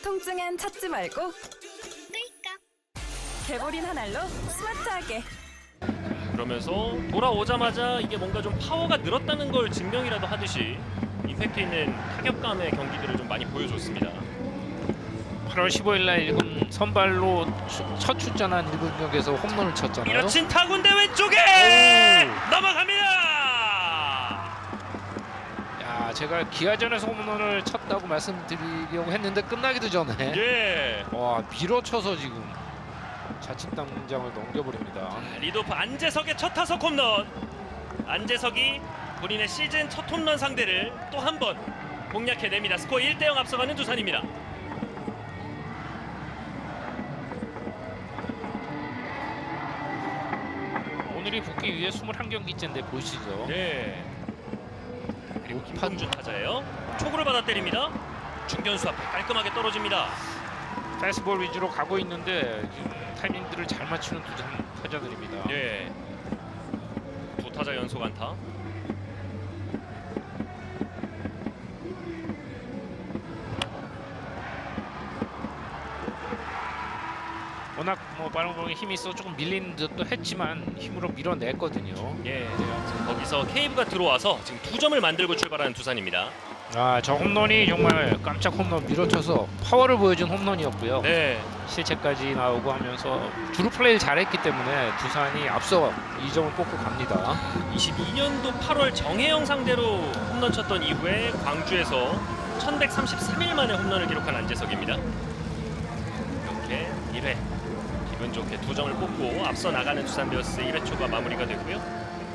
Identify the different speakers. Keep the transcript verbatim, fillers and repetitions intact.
Speaker 1: 통증엔 찾지 말고 끌까 개보린 한 알로 스마트하게.
Speaker 2: 그러면서 돌아오자마자 이게 뭔가 좀 파워가 늘었다는 걸 증명이라도 하듯이 임팩트 있는 타격감의 경기들을 좀 많이 보여줬습니다.
Speaker 3: 팔월 십오일 날 일군 선발로 추, 첫 출전한 일군 경기에서 홈런을 쳤잖아요.
Speaker 2: 밀어친 타구인데 왼쪽에
Speaker 3: 오.
Speaker 2: 넘어갑니다.
Speaker 3: 야, 제가 기아전에서 홈런을 쳤다고 말씀드리려고 했는데 끝나기도 전에
Speaker 2: 예.
Speaker 3: 와, 밀어쳐서 지금 자칫 당장을 넘겨버립니다.
Speaker 2: 리드오프 안재석의 첫 타석 홈런. 안재석이 본인의 시즌 첫 홈런 상대를 또 한 번 공략해냅니다. 스코어 일 대 영 앞서가는 두산입니다.
Speaker 3: 오늘이 복귀 위해 이십일 경기째인데 보시죠.
Speaker 2: 네. 그리고 김동준 타자예요. 초구를 받아 때립니다. 중견수 앞에 깔끔하게 떨어집니다.
Speaker 3: 패스볼 위주로 가고 있는데 지금 타이밍들을 잘 맞추는 두 타자들입니다.
Speaker 2: 네. 두 타자 연속 안타.
Speaker 3: 워낙 뭐 빠른 공에 힘이 있어 조금 밀리는 듯도 했지만 힘으로 밀어냈거든요.
Speaker 2: 예. 지금 거기서 케이브가 들어와서 지금 두 점을 만들고 출발하는 두산입니다.
Speaker 3: 아, 저 홈런이 정말 깜짝 홈런 밀어쳐서 파워를 보여준 홈런이었고요.
Speaker 2: 네.
Speaker 3: 실책까지 나오고 하면서 주루 플레이를 잘했기 때문에 두산이 앞서 이 점을 뽑고 갑니다.
Speaker 2: 이십이 년도 팔월 정혜영 상대로 홈런 쳤던 이후에 광주에서 천백삼십삼 일 만에 홈런을 기록한 안재석입니다. 이렇게 일 회 기분 좋게 두 점을 뽑고 앞서 나가는 두산 베어스 일 회 초가 마무리가 됐고요.